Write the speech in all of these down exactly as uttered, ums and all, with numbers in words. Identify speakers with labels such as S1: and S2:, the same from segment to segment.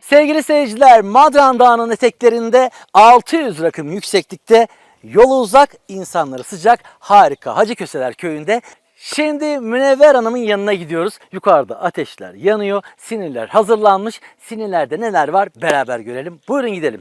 S1: Sevgili seyirciler, Madran Dağı'nın eteklerinde altı yüz rakım yükseklikte, yolu uzak, insanları sıcak, harika Hacıköseler köyünde. Şimdi Münevver Hanım'ın yanına gidiyoruz. Yukarıda ateşler yanıyor, sinirler hazırlanmış. Sinirlerde neler var beraber görelim. Buyurun gidelim.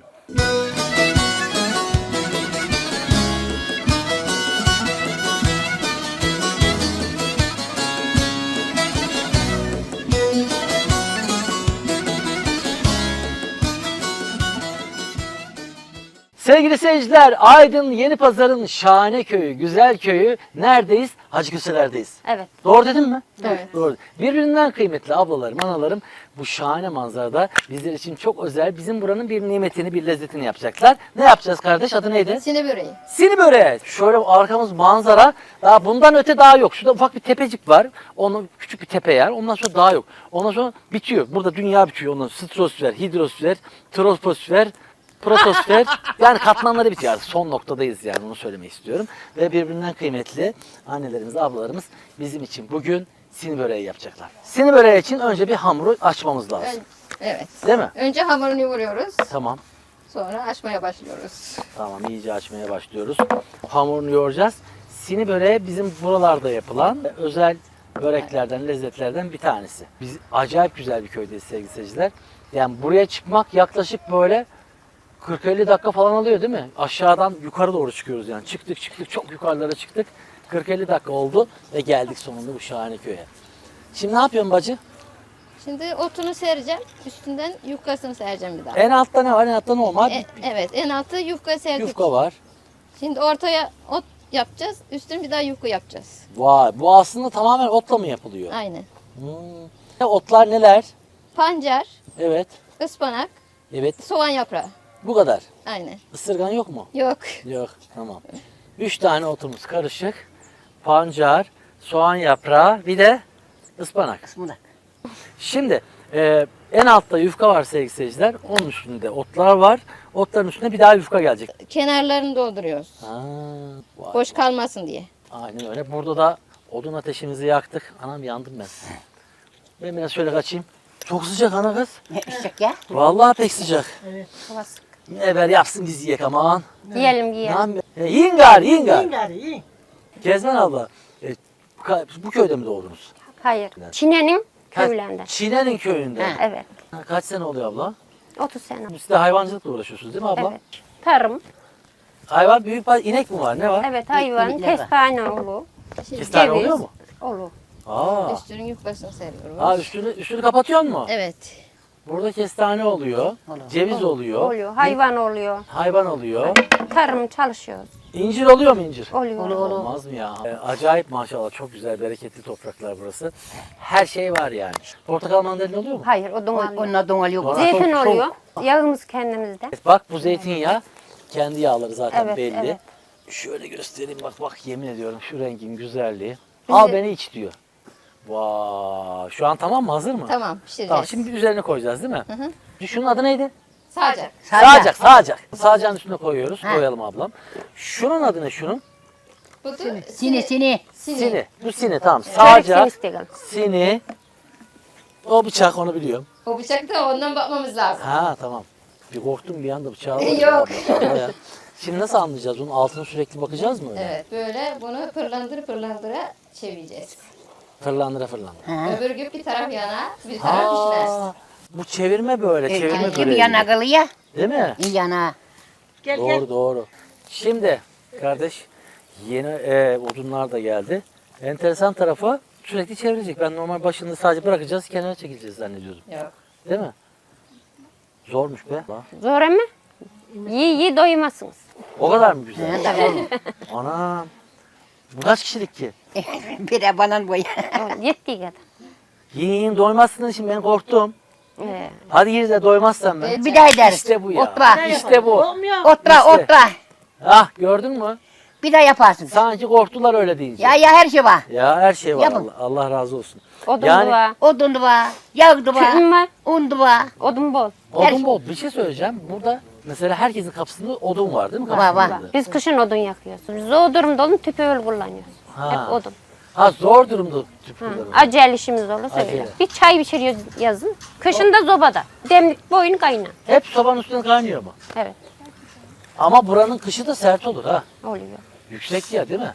S1: Sevgili seyirciler, Aydın Yenipazarı'nın şahane köyü, güzel köyü. Neredeyiz? Hacıköseler'deyiz.
S2: Evet.
S1: Doğru dedim mi?
S2: Evet.
S1: Doğru. Birbirinden kıymetli ablalarım, analarım bu şahane manzarada bizler için çok özel, bizim buranın bir nimetini, bir lezzetini yapacaklar. Ne yapacağız kardeş? Adı neydi?
S2: Sine böreği.
S1: Sini böreği. Şöyle arkamız manzara. Daha bundan öte daha yok. Şurada ufak bir tepecik var. Onun küçük bir tepe yer. Ondan sonra daha yok. Ondan sonra bitiyor. Burada dünya bitiyor. Ondan sonra stratosfer, hidrosfer, troposfer, protosfer, yani katmanları bitiyor artık. Son noktadayız yani, onu söylemek istiyorum. Ve birbirinden kıymetli annelerimiz, ablalarımız bizim için bugün sini böreği yapacaklar. Sini böreği için önce bir hamuru açmamız lazım.
S2: Ön- evet.
S1: Değil mi?
S2: Önce hamurunu yoğuruyoruz.
S1: Tamam.
S2: Sonra açmaya başlıyoruz.
S1: Tamam, iyice açmaya başlıyoruz. Hamurunu yoğuracağız. Sini böreği bizim buralarda yapılan özel böreklerden, lezzetlerden bir tanesi. Biz acayip güzel bir köydeyiz sevgili seyirciler. Yani buraya çıkmak yaklaşık böyle kırk elli dakika falan alıyor değil mi? Aşağıdan yukarı doğru çıkıyoruz yani. Çıktık çıktık çok yukarılara çıktık. kırk elli dakika oldu ve geldik sonunda bu şahane köye. Şimdi ne yapıyorsun bacı?
S2: Şimdi otunu sereceğim. Üstünden yufkasını sereceğim bir daha.
S1: En altta ne var? En altta normal
S2: E, evet, en altı yufka serdik.
S1: yufka var.
S2: Şimdi ortaya ot yapacağız. Üstüne bir daha yufka yapacağız.
S1: Vay, bu aslında tamamen otla mı yapılıyor?
S2: Aynen.
S1: Hmm. Ne otlar neler?
S2: Pancar,
S1: Evet.
S2: ıspanak,
S1: Evet.
S2: soğan yaprağı.
S1: Bu kadar.
S2: Aynen.
S1: Isırgan yok mu?
S2: Yok.
S1: Yok. Tamam. Üç tane otumuz karışık. Pancar, soğan yaprağı, bir de ıspanak.
S3: Ispanak.
S1: Şimdi e, en altta yufka var sevgili seyirciler. Onun üstünde otlar var. Otların üstüne bir daha yufka gelecek.
S2: Kenarlarını dolduruyoruz.
S1: Ha, vay.
S2: Boş kalmasın diye.
S1: Aynen öyle. Burada da odun ateşimizi yaktık. Anam yandım ben. Ben biraz şöyle kaçayım. Çok sıcak ana kız.
S3: Ne içecek ya?
S1: Vallahi pek sıcak.
S3: Havası.
S1: Münevver yapsın biz yiyek aman.
S2: Yiyelim
S1: Ne
S2: yiyelim.
S1: yapayım? E, yiyin gari, yiyin gari.
S4: İyi gari iyi.
S1: Kezban abla, e, ka- bu köyde mi doğdunuz?
S5: Hayır. Çine'nin
S1: Ka-
S5: köylerinde.
S1: Çine'nin köyünde.
S3: Ha.
S5: Evet.
S1: Ha, Kaç sene oluyor abla?
S5: otuz sene.
S1: Siz de hayvancılıkla uğraşıyorsunuz değil mi abla?
S5: Evet. Tarım.
S1: Hayvan büyük bir inek mi var? Ne var?
S5: Evet, hayvan,
S3: İnekler var.
S5: kestane olur.
S1: Kestane
S5: ceviz.
S1: oluyor mu?
S5: Olur.
S1: Aa.
S2: Üstünün yufkasını seriyoruz.
S1: Aa üstünü, üstünü kapatıyor mu?
S2: Evet.
S1: Burada kestane oluyor,
S3: Olur.
S1: ceviz oluyor,
S5: Oluyor. Hayvan oluyor.
S1: hayvan oluyor.
S5: Tarım çalışıyoruz.
S1: İncir oluyor mu incir?
S5: Oluyor.
S3: Olur, olur.
S1: Olmaz mı ya? E, acayip maşallah, çok güzel, bereketli topraklar burası. Her şey var yani. Portakal mandalina oluyor mu?
S5: Hayır, odun alıyor.
S3: Onunla donal yok.
S1: Donal.
S5: Zeytin
S1: Çok- çok-
S5: oluyor. Yağımız kendimizde.
S1: Bak bu zeytinyağı, kendi yağları zaten
S5: Evet,
S1: belli.
S5: evet.
S1: Şöyle göstereyim, bak bak, yemin ediyorum şu rengin güzelliği.
S5: Bizi-
S1: Al beni iç diyor. Vay, şu an tamam mı, hazır mı?
S2: Tamam, pişireceğiz.
S1: Tamam, şimdi üzerine koyacağız değil mi?
S2: Hı hı.
S1: Şunun adı neydi?
S2: Sadece.
S1: Sağacak, sağacak. Sağacağın üstüne koyuyoruz.
S3: Ha.
S1: Koyalım ablam. Şunun adı ne şunun?
S2: Bu da
S3: Sini sini.
S2: Sini.
S1: Sini. Bu sini, tamam.
S5: Çörek
S1: Sağacak,
S5: istedim.
S1: sini. O bıçak, onu biliyorum.
S2: O bıçak da ondan bakmamız lazım.
S1: Ha tamam. Bir korktum bir anda bıçağı.
S2: Yok.
S1: Abla ya. Şimdi nasıl anlayacağız? Onun altına sürekli bakacağız mı öyle?
S2: Evet, böyle bunu pırlandır pırlandıra çevireceğiz.
S1: Fırlandıra fırlandıra.
S3: Ha.
S2: Öbür gün bir taraf yana, bir taraf pişmez.
S1: Ha, bu çevirme böyle, çevirme
S3: Kim
S1: böyle.
S3: yana kılıyor?
S1: Değil mi?
S3: İyi yana.
S4: Gel
S1: Doğru
S4: gel.
S1: doğru. Şimdi kardeş, yeni e, odunlar da geldi. Enteresan tarafı sürekli çevirecek. Ben normal başında sadece bırakacağız, kenara çekileceğiz zannediyordum.
S2: Yok.
S1: Değil mi? Zormuş be.
S5: Zor ama iyi iyi doymazsınız.
S1: O kadar mı güzel?
S3: Ha, tabii.
S1: Anam. Bu kaç kişilik ki?
S3: Bir de bana boy.
S5: O yettiği kadar.
S1: Yiyin yiyin doymazsınız, şimdi ben korktum.
S5: Ee,
S1: Hadi yiyin de doymazsam ben.
S2: Evet.
S3: Bir daha ederiz.
S1: İşte bu ya.
S3: Otra.
S1: İşte bu.
S4: Olmuyor.
S3: Otra
S1: İşte.
S3: otra.
S1: Ah, gördün mü?
S3: Bir daha yaparsın.
S1: Sanki korktular öyle deyince.
S3: Ya ya her şey var.
S1: Ya her şey var.
S3: Yapın.
S1: Allah, Allah razı olsun.
S5: odun
S1: Yani-
S5: var.
S3: Odun da var. Yağ da var.
S5: Tütün var.
S3: Un da var.
S5: Odun bol.
S1: Odun bol. Bir şey söyleyeceğim. Burada mesela herkesin kapısında odun var değil mi?
S3: Var, var.
S1: Kapısında.
S5: Biz kışın odun yakıyoruz. Biz o durumda odun tüpü öyle kullanıyoruz.
S1: Ha.
S5: Hep odun.
S1: Ha zor durumda tüp
S5: Hı.
S1: kullanımı.
S5: Acele işimiz olursa
S1: Acele.
S5: öyle. Bir çay pişiriyoruz yazın. Kışın da zobada. Demlik boyun kaynar.
S1: Hep sobanın üstüne kaynıyor mu?
S5: Evet.
S1: Ama buranın kışı da sert olur ha.
S5: Oluyor.
S1: Yüksek ya değil mi?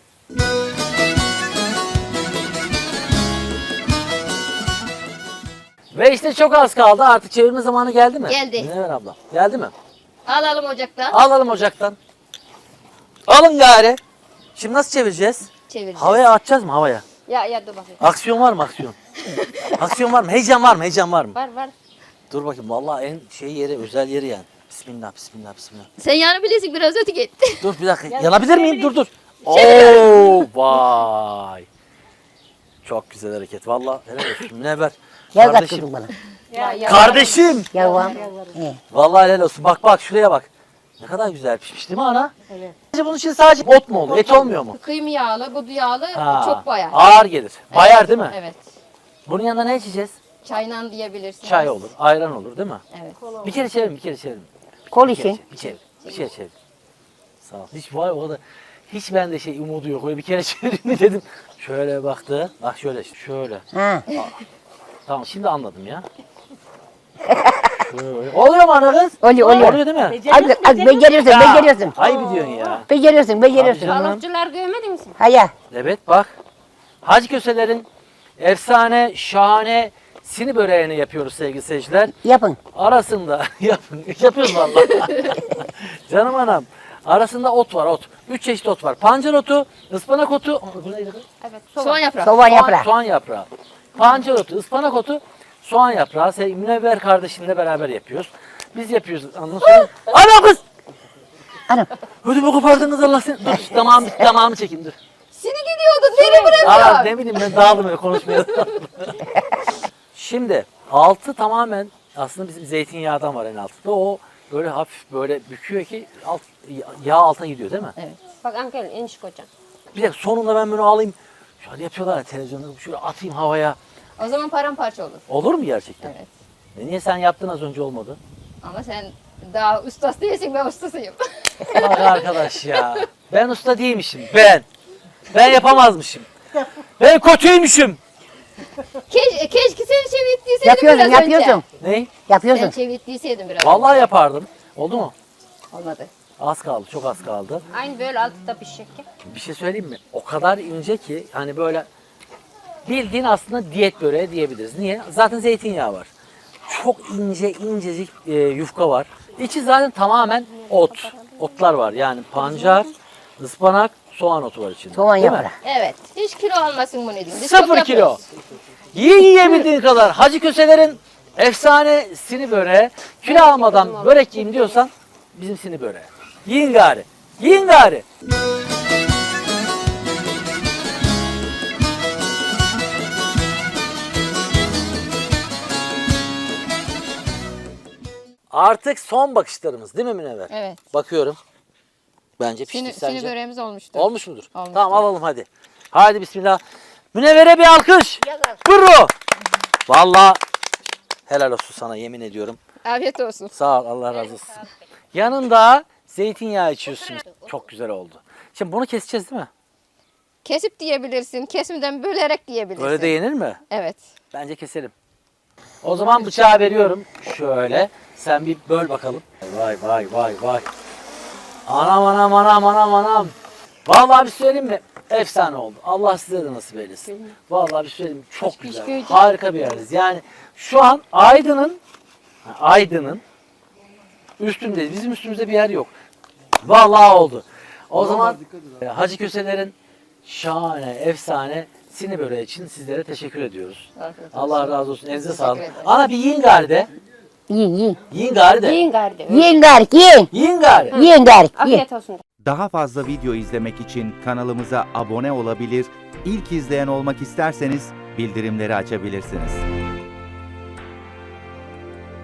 S1: Ve işte çok az kaldı. Artık çevirme zamanı geldi mi?
S2: Geldi.
S1: Münevver abla. Geldi mi?
S2: Alalım ocaktan.
S1: Alalım ocaktan. Alın gari. Şimdi nasıl çevireceğiz?
S2: Çevireceğiz.
S1: Havaya atacağız mı havaya?
S2: Ya ya dur bakayım.
S1: Aksiyon var mı aksiyon? Aksiyon var mı? Heyecan var mı? Heyecan var mı?
S2: Var var.
S1: Dur bakayım. Vallahi en şey yeri, özel yeri yani. Bismillah, bismillah, bismillah.
S2: Sen yani bilirsin biraz öteki gitti.
S1: Dur bir dakika. Yanabilir miyim? Dur dur. Oo vay. Çok güzel hareket. Vallahi helal olsun. Münevver.
S3: Gel
S1: Kardeşim.
S3: kaçırdın bana.
S2: Ya, ya.
S1: Kardeşim.
S3: Yavam. He.
S1: Vallahi helal olsun. Bak bak şuraya bak. Ne kadar güzel pişmiş değil mi ana? Evet. Bunun için sadece ot mu olur? Et olmuyor mu?
S2: Kıyım yağlı, budu yağlı,
S1: Ha,
S2: çok bayar.
S1: Ağır gelir. Bayar değil mi?
S2: Evet.
S1: Bunun yanında ne içeceğiz?
S2: Çayla diyebilirsiniz.
S1: Çay olur, ayran olur değil mi?
S2: Evet.
S1: Bir kere çevirin, bir kere çevirin.
S3: Kol
S1: Bir kere
S3: için.
S1: çevir, bir çevir, bir kere çevir. Sağ ol. Hiç var o kadar. Hiç bende şey umudu yok. Öyle bir kere çevireyim mi dedim. Şöyle baktı. Bak şöyle, şöyle.
S3: Ha.
S1: Tamam şimdi anladım ya. Şöyle. Oluyor mu ana kız?
S3: Oluyor, oluyor.
S1: Oluyor değil mi?
S3: Az, az beceriyorsun, beceriyorsun.
S1: Ayıp diyorsun ya.
S3: Beceriyorsun, beceriyorsun.
S1: Tamam.
S5: Balıkçılar görmedin mi sen?
S3: Haya.
S1: Evet bak. Hacı Köseler'in efsane, şahane sini böreğini yapıyoruz sevgili seyirciler.
S3: Yapın.
S1: Arasında yapın. Yapıyoruz vallahi. Canım anam. Arasında ot var ot. Üç çeşit ot var. Pancar otu, ıspanak otu. Bu neydi kız?
S5: Evet.
S2: Soğan
S5: Soğan.
S2: yaprağı.
S3: Soğan
S1: Soğan,
S3: yaprağı.
S1: soğan yaprağı. Pancar otu, ıspanak otu, soğan yaprağı. Sevgili Münevver kardeşimle beraber yapıyoruz. Biz yapıyoruz. Ondan sonra... Ana kız!
S3: Anam.
S1: Ödümü kopardınız Allah seni. Dur damağımı, damağımı çekeyim dur.
S2: Seni gidiyordun. Nereye
S1: Aa,
S2: bırakıyorsun?
S1: ne bileyim ben dağıldım öyle konuşmaya. Şimdi altı tamamen aslında bizim zeytinyağından var en altında. O böyle hafif böyle büküyor ki alt, yağ alta gidiyor değil mi?
S2: Evet.
S5: Bak Ankara'nın enişte kocan.
S1: Bir de sonunda ben bunu alayım. Şöyle yapıyorlar ya televizyonda şöyle atayım havaya.
S2: O zaman paramparça olur.
S1: Olur mu gerçekten?
S2: Evet.
S1: E niye sen yaptın az önce olmadı?
S2: Ama sen daha ustası değilsin, ben ustasıyım.
S1: Bak arkadaş ya. Ben usta değilmişim. Ben. Ben yapamazmışım. Ben kötüymüşüm.
S2: Keş, keşke seni çevirttiyseydim
S3: Yapıyorsun,
S2: biraz önce.
S3: yapıyorsun.
S1: Ne?
S2: Sen
S3: Yapıyorsun.
S2: çevirttiyseydim biraz
S1: Vallahi
S2: önce.
S1: yapardım. Oldu mu?
S2: Olmadı.
S1: Az kaldı, çok az kaldı.
S5: Aynı böyle altta pişecek ya.
S1: Bir şey söyleyeyim mi? O kadar ince ki hani böyle bildiğin aslında diyet böreği diyebiliriz. Niye? Zaten zeytinyağı var. Çok ince incecik e, yufka var. İçi zaten tamamen ot. Otlar var. Yani pancar, ıspanak, soğan otu var içinde.
S3: Soğan
S1: Değil mi?
S3: yaprağı.
S2: Evet. Hiç kilo almasın bunu diyeyim. Biz çok
S1: Sıfır kilo.
S2: yapıyoruz.
S1: Yiyin yiyebildiğin kadar. Hacı Köseler'in efsane sini böreği. Kilo almadan börek yiyeyim diyorsan bizim sini böreği. Yiyin gari. Yiyin gari. Artık son bakışlarımız değil mi Münevver?
S2: Evet.
S1: Bakıyorum. Bence pişti
S2: Sini,
S1: sence.
S2: sini böreğimiz olmuştu.
S1: Olmuş mudur?
S2: Olmuştur.
S1: Tamam alalım hadi. Haydi bismillah. Münevver'e bir alkış. Bravo. Vallahi helal olsun sana yemin ediyorum.
S2: Afiyet olsun.
S1: Sağ ol Allah razı olsun. Yanında zeytinyağı içiyorsun. Çok güzel oldu. Şimdi bunu keseceğiz değil mi?
S2: Kesip diyebilirsin. Kesimden bölerek diyebilirsin.
S1: Öyle de yenir mi?
S2: Evet.
S1: Bence keselim. O zaman bıçağı veriyorum. Şöyle. Sen bir böl bakalım. Vay vay vay vay. Anam anam anam anam anam. Vallahi bir söyleyeyim mi? Efsane oldu. Allah size de nasip eylesin. Vallahi bir söyleyeyim mi? Çok güzel. Harika bir yerdeyiz. Yani şu an Aydın'ın Aydın'ın üstündeyiz. Bizim üstümüzde bir yer yok. Vallahi oldu. O zaman e, Hacı Köseler'in şahane, efsane sini böreği için sizlere teşekkür ediyoruz.
S2: Afiyet olsun.
S1: Allah razı olsun. Elinize sağlık.
S2: ederim.
S1: Ana bir yiyin gari de.
S3: Yiyin, yiyin.
S1: Yiyin gari de.
S5: Yiyin gardi.
S3: Yiyin gari, yiyin.
S1: Yiyin gari.
S3: Yiyin gari, yiyin.
S5: Afiyet olsun.
S4: Daha fazla video izlemek için kanalımıza abone olabilir, ilk izleyen olmak isterseniz bildirimleri açabilirsiniz.